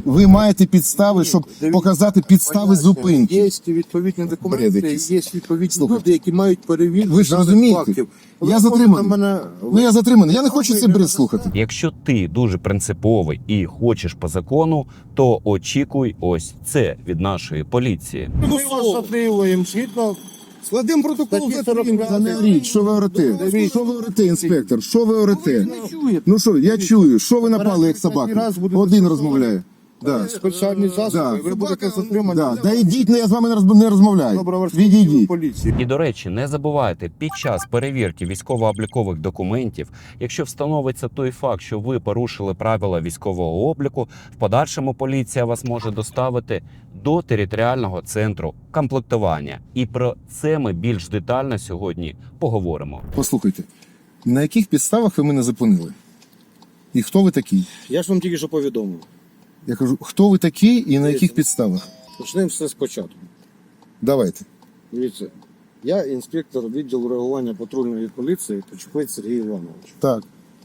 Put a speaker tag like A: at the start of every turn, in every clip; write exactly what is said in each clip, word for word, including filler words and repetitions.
A: Ви маєте підстави, щоб показати підстави зупинки.
B: Є відповідні документи,
A: Бред
B: є відповідні
A: Слухайте.
B: люди, які мають перевірку.
A: Ви ж
B: даних
A: розумієте?
B: фактів.
A: Я
B: Ви
A: затриманий.
B: мене...
A: Ну я затриманий. Я не хочу цей бред слухати.
C: Якщо ти дуже принциповий і хочеш по закону, то очікуй ось це від нашої поліції.
B: Ми вас затримуємо, згідно...
A: Складемо протокол
B: Статті
A: затримки.
B: сорок п'ять.
A: Не річ, що ви орете? Що ви орете, інспектор? Що ви орете?
B: не чуєте.
A: Ну що, я чую. Що ви напали, як
B: Раз
A: собака?
B: будете
A: Один
B: слухати.
A: розмовляє. Да.
B: Спеціальні засоби,
A: Да.
B: ви будете затримані.
A: Да. Да йдіть, я з вами не розм- не розмовляю.
B: Добровольської
A: Відійдіть.
B: поліції.
C: І, до речі, не забувайте, під час перевірки військово-облікових документів, якщо встановиться той факт, що ви порушили правила військового обліку, в подальшому поліція вас може доставити до територіального центру комплектування. І про це ми більш детально сьогодні поговоримо.
A: Послухайте, на яких підставах ви мене зупинили? І хто ви такий?
D: Я ж вам тільки що повідомив.
A: Я кажу, хто ви такий і на яких підставах?
D: Почнемо все спочатку.
A: Давайте.
D: Дивіться, я інспектор відділу реагування патрульної поліції Почепець Сергій Іванович.
A: Так.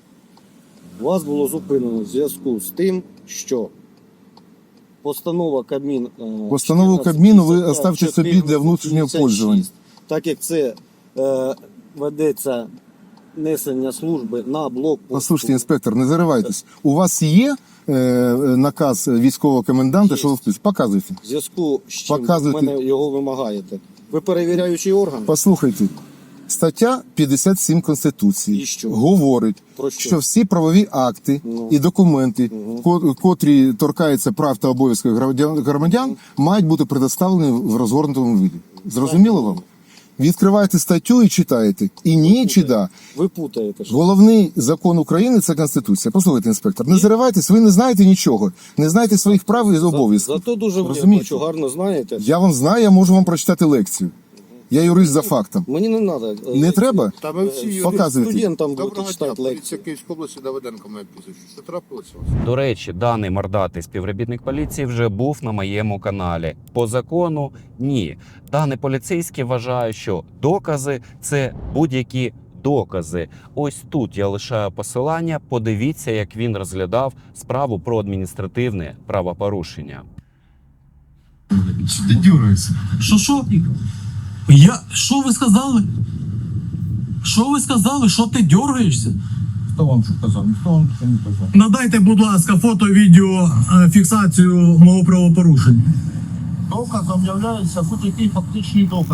D: Вас було зупинено в зв'язку з тим, що постанова Кабмін... е,
A: Постанову
D: чотирнадцять
A: Кабміну ви
D: п'ятдесят
A: оставте
D: п'ять,
A: собі для внутрішнього
D: п'ятдесят шість.
A: пользування.
D: Так як це е, ведеться несення служби на блокпосту.
A: Послухайте, інспектор, не заривайтесь. У вас є е, наказ військового коменданта,
D: Є.
A: що ви вписуєте? Показуйте.
D: В зв'язку з чим ви
A: Показуйте.
D: мене його вимагаєте. Ви перевіряючий орган?
A: Послухайте. Стаття п'ятдесят сім Конституції
D: І що?
A: говорить,
D: Про що?
A: що всі правові акти
D: Ну.
A: і документи,
D: Мгм.
A: ко- котрі торкаються прав та обов'язків громадян, громадян, мають бути предоставлені в розгорнутому виді. Зрозуміло вам? Відкриваєте статтю і читаєте. І ні, чи да.
D: Ви путаєте. що?
A: Головний закон України – це Конституція. Послухайте, інспектор, не заривайтесь, ви не знаєте нічого. Не знаєте своїх прав і обов'язків.
D: Зато дуже
A: Розумієте?
D: бачу, гарно знаєте.
A: Я вам знаю, я можу вам прочитати лекцію. Я юрист за фактом.
D: Мені не треба.
A: Не треба?
B: Та ми всі юристи.
A: Показуйте.
D: Студентам будете
B: Доброго дня,
D: читати
B: поліція
D: лекції.
B: Київської області, Давиденко моє прізвище. Що трапилося у вас?
C: До речі, даний мордатий співробітник поліції вже був на моєму каналі. По закону – ні. Даний поліцейський вважає, що докази – це будь-які докази. Ось тут я лишаю посилання. Подивіться, як він розглядав справу про адміністративне правопорушення.
E: Що ти дюраєшся?
F: Що що? Я. Що ви сказали? Що ви сказали? Що ти дергаєшся?
E: Хто вам що казав? Ніхто вам що не казав.
F: Надайте, будь ласка, фото, відео, е, фіксацію мого правопорушення.
E: Доказом являється будь-який фактичний доказ.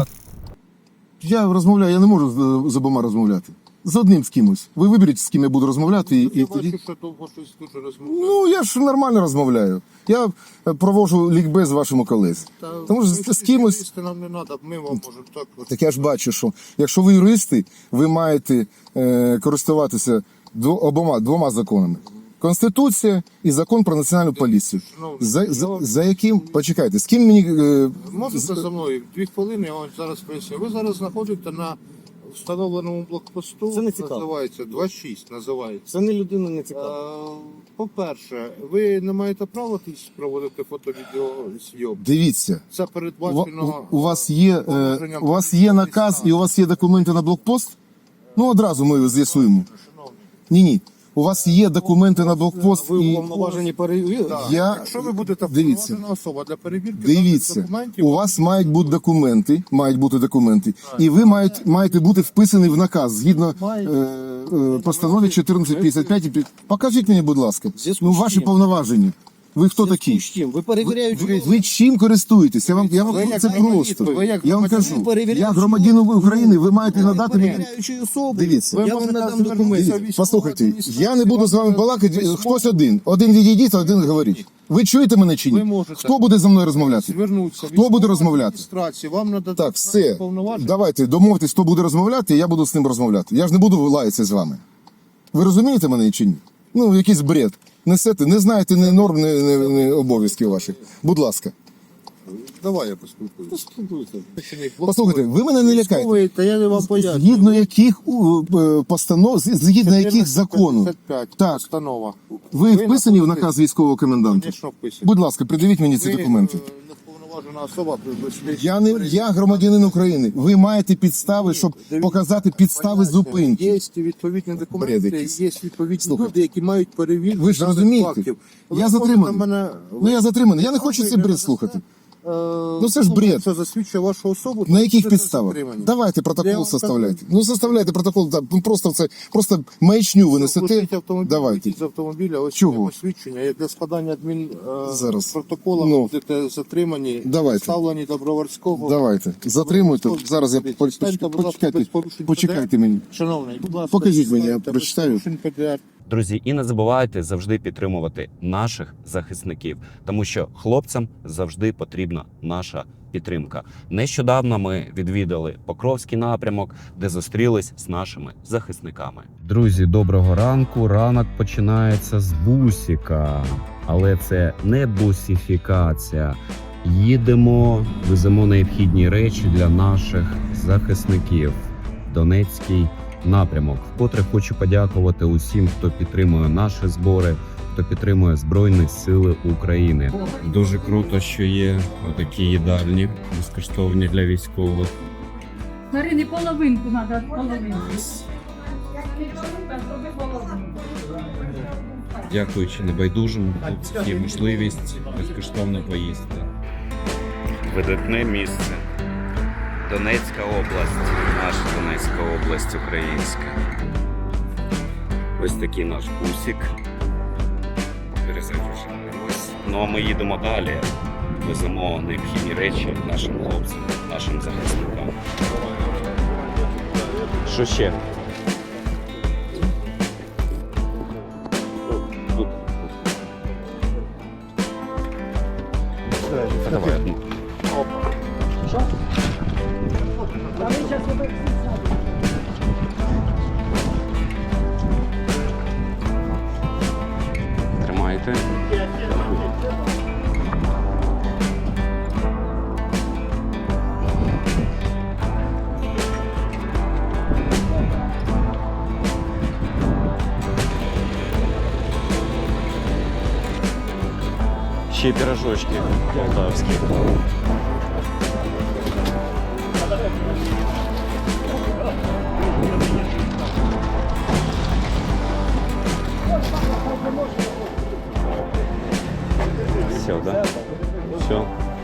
A: Я розмовляю, я не можу з, з обома розмовляти. З одним з кимось. Ви виберіть, з ким я буду розмовляти. І, і
B: Я
A: тоді...
B: бачу, що довго щось дуже розмовляє.
A: Ну, я ж нормально розмовляю. Я е, провожу лікбез вашому колезі. Тому що з, з кимось...
B: Нам не треба, ми вам можемо так. от.
A: Так я ж бачу, що якщо ви юристи, ви маєте е, користуватися дво, обома двома законами. Конституція і закон про національну поліцію. За, за, за яким, почекайте, з ким мені... Е,
B: Можете
A: з-
B: за мною дві хвилини, я вам зараз поясню. Ви зараз знаходите на встановленому блокпосту.
D: Це не цікаво.
B: Називається два шість, називається.
D: Це не людина не цікаво.
B: Е, По-перше, ви не маєте права тут проводити фото-відеозйом.
A: Дивіться.
B: Це
A: У,
B: передбачено.
A: у, у вас є, е, у вас є наказ і у вас є документи на блокпост? Ну, одразу ми з'ясуємо. Ні-ні. У вас є документи на блокпост
D: Ви
A: і...
D: уповноважені перевірити?
B: Так.
A: Я-
B: Якщо ви будете
A: Дивіться.
B: вповноважена особа для перевірки
A: Дивіться,
B: даних документів,
A: у вас мають бути документи, мають бути документи, і ви мають, маєте бути вписані в наказ згідно е, е, постанові чотирнадцять п'ятдесят п'ять. Покажіть мені, будь ласка,
D: Зв'язку
A: ну
D: з
A: ваші
D: чим?
A: повноваження. Ви хто такі?
D: З чим? Ви перевіряючий
A: Ви, ви чим користуєтесь? Я вам, я
B: Ви
A: вам
B: як
A: це
B: громадянин,
A: просто.
B: ви як
A: Я вам
B: громадянин,
A: кажу,
D: перевіряючий
A: я громадянин України, ви маєте
D: Ви
A: надати мені.
D: перевіряючий особи.
A: Дивіться.
D: Я вам надам документи.
A: Дивіться, послухайте, я не буду з вами балакати, хтось один. Один відійдіть, а один говорить. Ви чуєте мене чи
B: Ви
A: ні?
B: можете.
A: Хто буде зі мною розмовляти?
B: звернутися.
A: Хто буде розмовляти?
B: Вам надо
A: Так, все.
B: повноваження.
A: Давайте домовтесь, хто буде розмовляти, і я буду з ним розмовляти. Я ж не буду лаятися з вами. Ви розумієте мене чи ні? Ну, якийсь бред. Несете, не знаєте ні норм, ні, ні, ні обов'язків ваших. Будь ласка.
B: Давай я поспілкуюся.
D: Поспілкуйся.
A: Послухайте, ви мене не лякайте.
B: Військовий, та я не вам поясню.
A: Згідно яких у, е, постанов, з- згідно яких закону,
B: чотирнадцять п'ятдесят п'ять
A: Так.
B: постанова.
A: ви вписані в
B: знаходитесь-
A: наказ військового коменданта?
B: Звісно, вписані.
A: Будь ласка, придивіть мені ці
B: Ви,
A: документи.
B: е, не вповноважені Уповноважена особа при-
A: Я не я громадянин України. Ви маєте підстави, щоб показати підстави зупинки.
B: Є відповідні
A: Бред
B: документи,
A: якийсь.
B: є відповідні
A: Слухайте.
B: люди, які мають перевірку.
A: Ви ж
B: даних
A: розумієте?
B: фактів.
A: Я
B: Ви можете
A: затриманий.
B: мене-
A: Ну я затриманий. Я не хочу цей бред слухати. Ну це ж бред.
B: Це засвідчує вашу особу.
A: На яких
B: це
A: підставах?
B: затримання.
A: Давайте
B: Я
A: протокол
B: вам
A: составляйте. Ну составляйте протокол. да, ну, Просто це просто маячню ви несете.
B: Пустіть автомобіль,
A: Давайте.
B: вийдіть з автомобіля, ось
A: Чого?
B: є посвідчення. Як для складання адмін е,
A: Зараз.
B: протокола
A: Ну.
B: будете затримані,
A: Давайте.
B: ставлені до Броварського.
A: Давайте. Затримуйте. Зараз я
B: Станьте, будь ласка,
A: почекайте.
B: без порушень
A: Почекайте мені.
B: Шановний, будь ласка,
A: Покажіть мені, я
B: станьте без
A: прочитаю.
B: порушень П Д Р.
C: Друзі, і не забувайте завжди підтримувати наших захисників, тому що хлопцям завжди потрібна наша підтримка. Нещодавно ми відвідали Покровський напрямок, де зустрілись з нашими захисниками. Друзі, доброго ранку. Ранок починається з бусіка, але це не бусифікація. Їдемо, веземо необхідні речі для наших захисників. Донецький напрямок. Вкотре хочу подякувати усім, хто підтримує наші збори, хто підтримує Збройні Сили України. Дуже круто, що є отакі їдальні безкоштовні для військових.
G: Смотри, не половинку надо, а половинку.
C: Дякуючи небайдужим, тут є можливість безкоштовно поїсти. Видатне місце. Донецька область, наша Донецька область українська. Ось такий наш бусик. Перезагружаємось. Ну а ми їдемо далі. Веземо необхідні речі нашим хлопцям, нашим захисникам. Що ще? Тут. Давай одну. Тримайте. Ще й пирожочки полтавські. Все, да? Все.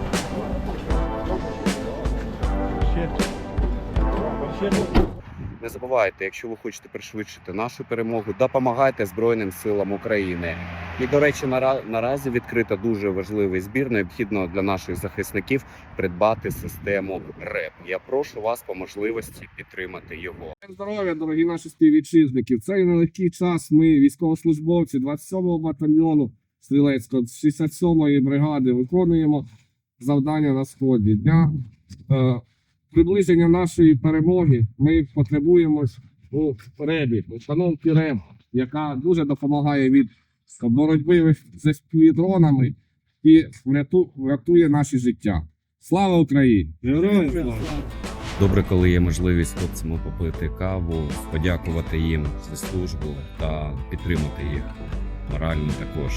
C: Не забувайте, якщо ви хочете пришвидшити нашу перемогу, допомагайте Збройним силам України. І, до речі, нара- наразі відкрита дуже важливий збір. Необхідно для наших захисників придбати систему РЕП. Я прошу вас по можливості підтримати його.
H: Здоров'я, дорогі наші співвітчизники. В цей нелегкий час ми, військовослужбовці двадцять сьомого батальйону стрілецького, шістдесят сьомої бригади, виконуємо завдання на сході. Для е, приближення нашої перемоги ми потребуємо у ребі, установки РЕБ, яка дуже допомагає від боротьби з співдронами і вряту- врятує наші життя. Слава Україні! Героям слава!
C: Добре, коли є можливість хлопцям попити каву, подякувати їм за службу та підтримати їх морально також.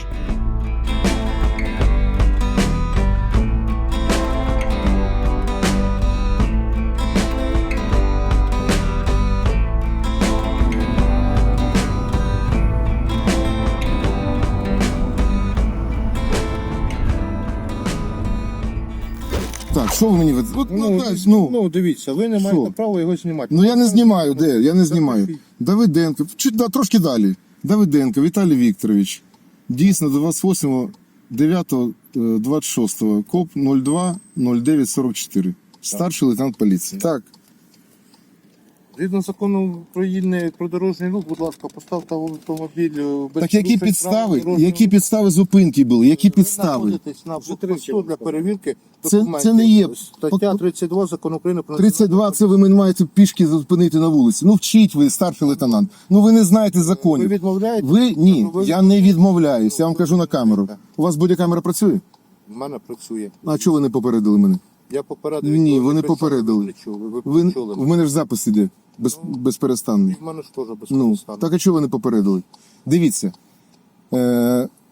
A: Так, що ви мені від... От, ну,
B: Ну,
A: дай, ну,
B: ну, дивіться, ви не маєте
A: Що?
B: права його знімати.
A: ну я не знімаю, де? Я не знімаю. Давиденко, чуть да, трошки далі. Давиденко Віталій Вікторович. Дійсно, двадцять восьмого дев'ятого двадцять шостого, КОП нуль два нуль дев'ять сорок чотири. Старший лейтенант поліції. Так.
B: Згідно закону України про дорожній рух, будь ласка, поставте автомобіль е, без
A: Так які
B: порушень
A: підстави,
B: правил дорожнього
A: які
B: руху.
A: підстави зупинки були? Які
B: Ви
A: підстави?
B: знаходитесь на блокпосту для перевірки
A: Це-
B: документів.
A: це не є-
B: Стаття тридцять два закону України про
A: тридцять два це ви мене маєте пішки зупинити на вулиці. Ну вчіть ви, старший лейтенант. Ну ви не знаєте
B: Ви
A: законів.
B: відмовляєте?
A: Ви ні,
B: Ви-
A: я не відмовляюсь. Я вам кажу на камеру. У вас бодікамера працює?
B: В мене працює.
A: А чого ви не попередили мене?
B: Я попередив.
A: Ні,
B: ви
A: вони
B: не працюєте,
A: попередили.
B: ви не чули, Ви,
A: Ви
B: почули
A: в
B: мене.
A: мене ж запис іде без, безперестанний.
B: І в мене ж теж без
A: Ну
B: стану.
A: так а чого ви не попередили? Дивіться. Е,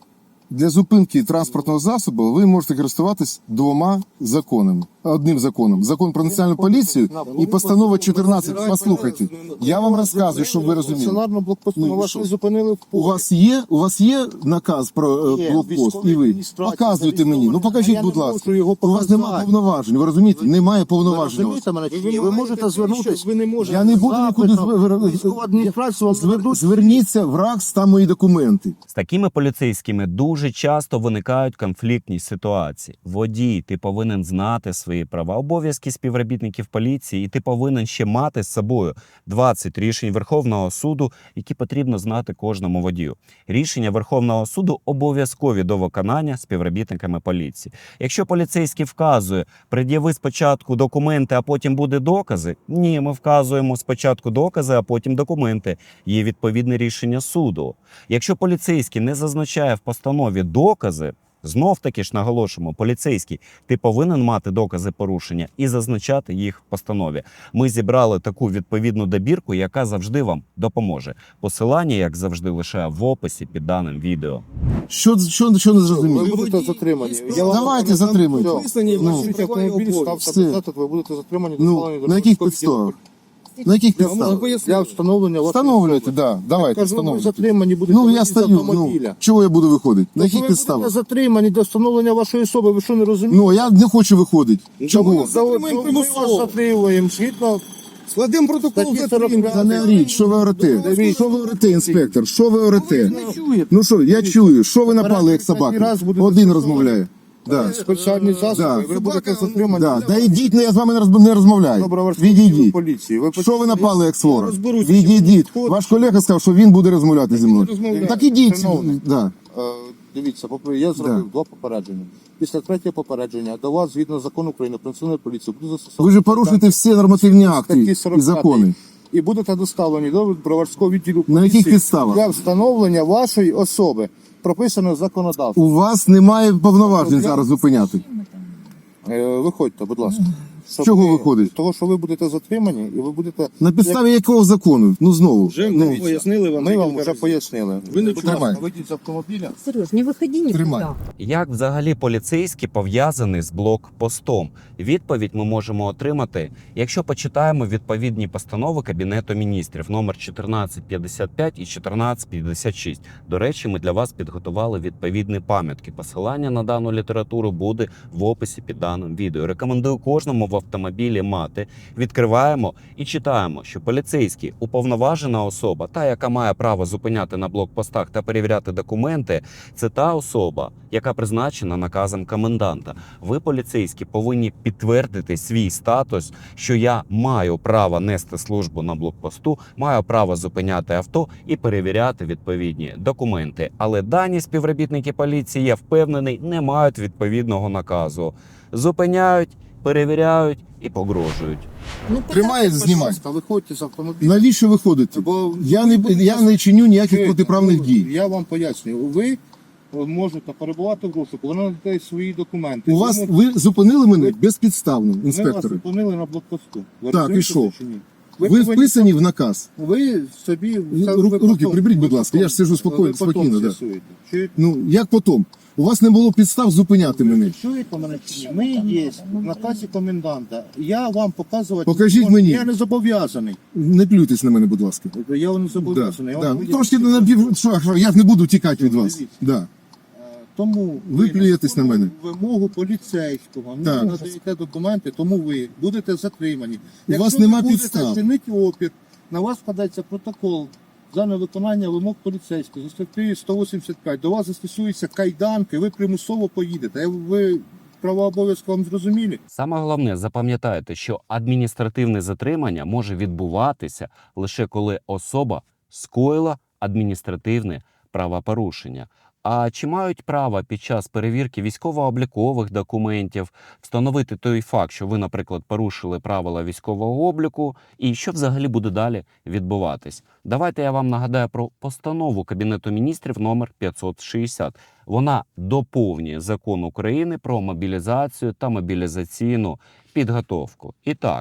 A: Для зупинки транспортного засобу ви можете користуватись двома законами. Одним законом. Закон про національну поліцію і постанова чотирнадцять. Послухайте, я вам розказую, щоб ви розуміли.
B: Стаціонарно блокпосту
A: Ну,
B: на вас
A: що?
B: не зупинили в
A: У вас є, у вас є наказ про е,
B: Є,
A: блокпост,
B: військовій
A: і ви
B: адміністрації,
A: показуєте
B: це
A: мені. Ну
B: військовий.
A: покажіть,
B: Я
A: будь
B: не
A: ласка.
B: можу його
A: У вас немає
B: показати.
A: повноважень. Ви розумієте? Немає
B: Ви
A: повноважень. у вас.
B: розумієте мене чи ні? Ви можете звернутися.
H: Ви не можете.
A: Я не буду нікуди звер-
B: Військова адміністрація вам
A: Звер-
B: зведуть.
A: Зверніться в РАКС, там мої документи.
C: З такими поліцейськими дуже часто виникають конфліктні ситуації. Водій, ти повинен знати свої права, обов'язки співробітників поліції, і ти повинен ще мати з собою двадцять рішень Верховного суду, які потрібно знати кожному водію. Рішення Верховного суду обов'язкові до виконання співробітниками поліції. Якщо поліцейський вказує, пред'яви спочатку документи, а потім буде докази, ні, ми вказуємо спочатку докази, а потім документи. Є відповідне рішення суду. Якщо поліцейський не зазначає в постанові докази, знов таки ж наголошуємо, поліцейський, ти повинен мати докази порушення і зазначати їх в постанові. Ми зібрали таку відповідну добірку, яка завжди вам допоможе. Посилання, як завжди, лише в описі під даним відео.
A: Що, що, що не
B: Ви
A: зрозуміло?
B: будете затримані. Я вам
A: Давайте затримуйте.
H: Підписані
A: Ну,
H: ваші
B: Ваші автомобіль ставте
A: Все.
B: назад, ви будете затримані.
A: Ну,
B: доставлені до
A: на яких
B: Жорсткого
A: підставах?
B: відділку.
A: На яких
B: Я вам
A: підставах?
B: Для встановлення вашої
A: Встановлюйте,
B: особи.
A: да, давайте,
B: Кажу, ви
A: встановлюйте.
B: затримані будете
A: Ну, я
B: вийти з
A: стою, ну,
B: автомобіля.
A: чого я буду виходити? На
B: Тобто
A: яких
B: ви будете
A: підставах?
B: затримані до встановлення вашої особи, ви що не розумієте?
A: Ну, я не хочу виходити. Чого?
B: Ми
H: затримаємо
B: вас
H: примусово.
B: затримуємо, згідно
H: Складемо протокол
B: статті
H: затримання.
B: сорок п'ять.
A: Та не оріть, що ви орете?
B: Дивіться.
A: Що ви орете, інспектор? Що ви орете?
H: Не чуєте.
A: Ну що, я чую, що ви напали, як
B: Раз
A: собака?
B: буде
A: Один
B: застосований.
A: розмовляє. Да.
B: Спеціальні засоби,
A: Да.
B: ви будете затримані.
A: Да. Да йдіть, я з вами не розм- не розмовляю.
B: Добровольського відділу
A: Відійдіть.
B: поліції. Ви
A: Що ви напали, як свора?
H: розберуся,
A: Відійдіть.
H: що
A: Ваш колега сказав, що він буде розмовляти зі мною.
H: розмовляю.
A: Так ідіть.
B: Шановний.
A: Да.
B: Е, Дивіться, попри- я зробив
A: Да.
B: два попередження. Після третього попередження до вас, згідно закону України про національну поліцію, буде застосовано.
A: Ви ж порушуєте всі нормативні акти
B: статті
A: і
B: сорок п'ять.
A: закони.
B: І будете доставлені до броварського відділу
A: На
B: поліції
A: яких підставах?
B: для встановлення вашої особи, прописано законодавством.
A: У вас немає повноважень зараз зупиняти.
B: Е, Виходьте, будь ласка. Щоб
A: чого
B: ви-
A: виходить?
B: Того, що ви будете затримані, і ви будете...
A: На підставі якого закону? Ну знову.
H: Вже
A: ну,
H: ми пояснили вам.
B: Ми вам
H: декілька
B: вже
H: разів.
B: пояснили.
H: Ви не
B: Будь ласка,
A: Тримай.
B: вийдіть з автомобіля.
I: Сереж, не выходи никуда.
A: Тримай.
C: Як взагалі поліцейський пов'язаний з блокпостом? Відповідь ми можемо отримати, якщо почитаємо відповідні постанови Кабінету міністрів номер чотирнадцять п'ятдесят п'ять і чотирнадцять п'ятдесят шість. До речі, ми для вас підготували відповідні пам'ятки. Посилання на дану літературу буде в описі під даним відео. Рекомендую кожному в автомобілі мати. Відкриваємо і читаємо, що поліцейський – уповноважена особа, та, яка має право зупиняти на блокпостах та перевіряти документи, це та особа, яка призначена наказом коменданта. Ви, поліцейські, повинні підтвердити свій статус, що я маю право нести службу на блокпосту, маю право зупиняти авто і перевіряти відповідні документи. Але дані співробітники поліції, я впевнений, не мають відповідного наказу. Зупиняють, перевіряють і погрожують.
I: Ну,
A: Тримає, знімай.
B: Та виходьте з автомобіля.
A: Навіщо виходити?
B: Бо
A: Я не, я не чиню ніяких
B: Чуєте?
A: протиправних дій.
B: Я вам пояснюю. Ви можете перебувати в розшуку, ви надаєте свої документи.
A: У вас
B: Ви,
A: ви зупинили мене безпідставно,
B: ми вас
A: інспектори.
B: зупинили на блокпосту. Ви
A: Так,
B: розумієте
A: і що?
B: це чи ні?
A: Ви
B: повинні-
A: вписані в наказ.
B: Ви собі... це
A: Ру-
B: ви
A: руки
B: потім-
A: приберіть, будь
B: ви
A: ласка, я ж сиджу
B: потім-
A: спокійно-
B: ви потім
A: спокійно, да.
B: з'ясуєте. Чуєте?
A: Ну як потім? У вас не було підстав зупиняти мене.
B: Чуєте мене чи ні? Ми є в наказі коменданта. Я вам показувати...
A: Покажіть
B: не можу.
A: мені.
B: Я не зобов'язаний.
A: Не плюйтесь на мене, будь ласка.
B: Я вам не
A: Да,
B: зобов'язаний. Я
A: да.
B: вам
A: Ну,
B: поясню.
A: трошки на напів. Що, що, я ж не буду тікати від вас.
B: Дивіться.
A: Да.
B: Е, Тому
A: Ви плюєтесь на мене.
B: Вимогу поліцейського не
A: Так.
B: надаєте документи, тому ви будете затримані.
A: У вас
B: ви
A: нема
B: будете
A: підстав.
B: чинити опір, на вас складається протокол за невиконання вимог поліцейського. За статтею сто вісімдесят п'ять до вас застосуються кайданки, ви примусово поїдете. Ви права обов'язки вам зрозумілі?
C: Саме головне, запам'ятайте, що адміністративне затримання може відбуватися лише коли особа скоїла адміністративне правопорушення. А чи мають право під час перевірки військово-облікових документів встановити той факт, що ви, наприклад, порушили правила військового обліку, і що взагалі буде далі відбуватись? Давайте я вам нагадаю про постанову Кабінету міністрів номер п'ятсот шістдесят. Вона доповнює Закон України про мобілізацію та мобілізаційну підготовку. І так,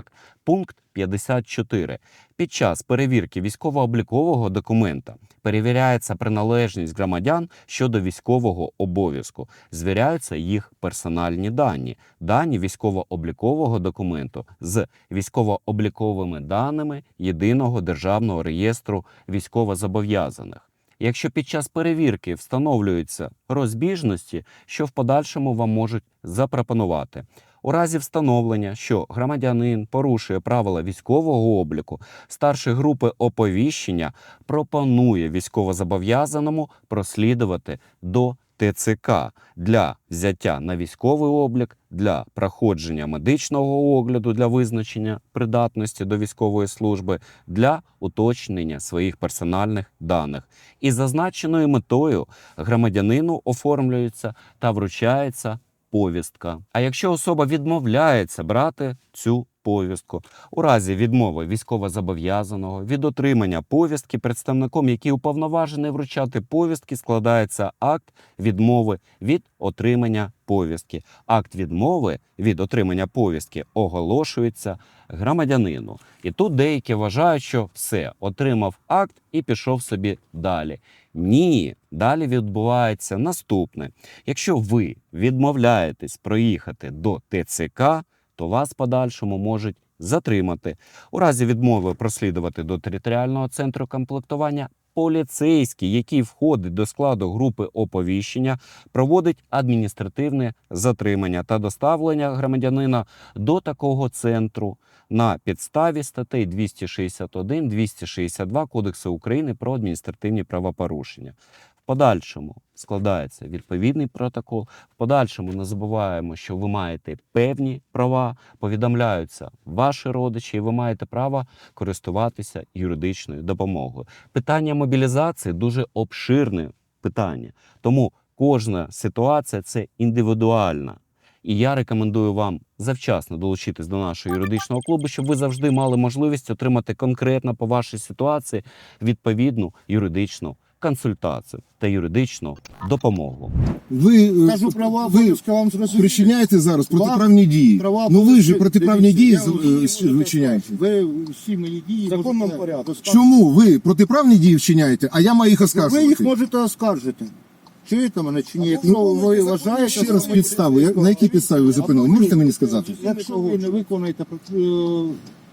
C: Пункт п'ятдесят чотири. Під час перевірки військово-облікового документа перевіряється приналежність громадян щодо військового обов'язку. Звіряються їх персональні дані, дані військово-облікового документу з військово-обліковими даними Єдиного державного реєстру військовозобов'язаних. Якщо під час перевірки встановлюються розбіжності, що в подальшому вам можуть запропонувати. У разі встановлення, що громадянин порушує правила військового обліку, старший групи оповіщення пропонує військовозобов'язаному прослідувати до Те Це Ка для взяття на військовий облік, для проходження медичного огляду для визначення придатності до військової служби, для уточнення своїх персональних даних. І зазначеною метою громадянину оформлюється та вручається повістка. А якщо особа відмовляється брати цю повістку, у разі відмови військовозобов'язаного від отримання повістки представником, який уповноважений вручати повістки, складається акт відмови від отримання повістки. Акт відмови від отримання повістки оголошується громадянину. І тут деякі вважають, що все, отримав акт і пішов собі далі. Ні, далі відбувається наступне. Якщо ви відмовляєтесь проїхати до Те Це Ка, то вас в подальшому можуть затримати. У разі відмови прослідувати до територіального центру комплектування, поліцейський, який входить до складу групи оповіщення, проводить адміністративне затримання та доставлення громадянина до такого центру на підставі статей двісті шістдесят один - двісті шістдесят два Кодексу України про адміністративні правопорушення. В подальшому складається відповідний протокол. В подальшому не забуваємо, що ви маєте певні права, повідомляються ваші родичі, і ви маєте право користуватися юридичною допомогою. Питання мобілізації дуже обширне питання, тому кожна ситуація – це індивідуальна. І я рекомендую вам завчасно долучитись до нашого юридичного клубу, щоб ви завжди мали можливість отримати конкретно по вашій ситуації відповідну юридичну консультацію та юридичну допомогу.
A: Ви, е,
B: Кажу, права
A: ви
B: обов'язки вам зрозуміли.
A: причиняєте зараз
B: Вам
A: протиправні дії.
B: Права
A: Ну ви ж
B: обов'язки,
A: протиправні
B: дивіться,
A: дії
B: я
A: з-
B: усі
A: е,
B: можу
A: вчиняєте.
B: Ви всі мої дії
D: В законному
B: можете
D: порядку.
B: розказувати.
A: Чому ви протиправні дії вчиняєте, а я маю їх
B: Ви їх
A: оскаржувати?
B: можете оскаржити. Чуєте мене чи ні? Якщо ви вважаєте...
A: Ще раз підстави. Я- На якій підставі ви зупинили? Можете мені сказати?
B: Якщо ви не виконаєте е,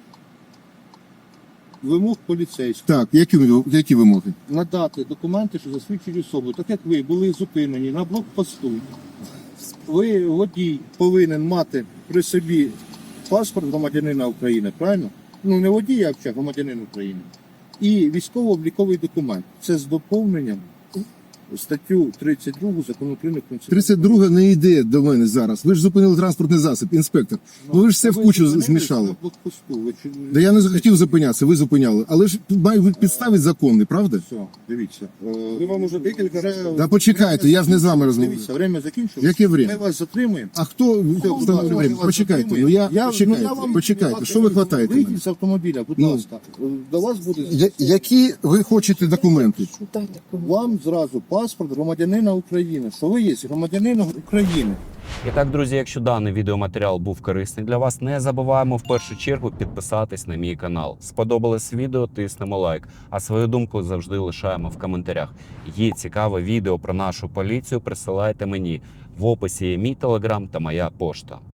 B: вимог поліцейських,
A: Так, які, ви- які вимоги?
B: надати документи, що засвідчують особу, так як ви були зупинені на блокпосту, ви, водій, повинен мати при собі паспорт громадянина України, правильно? Ну, не водій, а взагалі громадянин України. І військово-обліковий документ. Це з доповненням статтю тридцять другу Закону України про національну
A: тридцять друга не йде до мене зараз. Ви ж зупинили транспортний засіб, інспектор. Ну ви ж все в кучу
B: зупинились
A: змішали.
B: на блокпосту. Ви чи-
A: Да я не захотів зупинятися, ви зупиняли. Але ж має бути підстави законні, правда?
B: Все, дивіться. Е,
D: Ми вам уже декілька разів.
A: Да почекайте, я ж не з вами розмовляю.
B: Дивіться, время закінчилось.
A: Яке время?
B: Ми вас затримуємо.
A: А хто встановлює время? Почекайте, ну я, почекайте, почекайте, що ви хватаєте мене?
B: Вийдіть з автомобіля, будь
A: Ну.
B: ласка. До вас буде
A: Я- Які ви хочете документи?
B: вам зразу паспорт громадянина України. Що ви є громадянин України.
C: І так, друзі, якщо даний відеоматеріал був корисний для вас, не забуваємо в першу чергу підписатись на мій канал. Сподобалось відео, тиснемо лайк, а свою думку завжди лишаємо в коментарях. Є цікаве відео про нашу поліцію, присилайте мені. В описі є мій телеграм та моя пошта.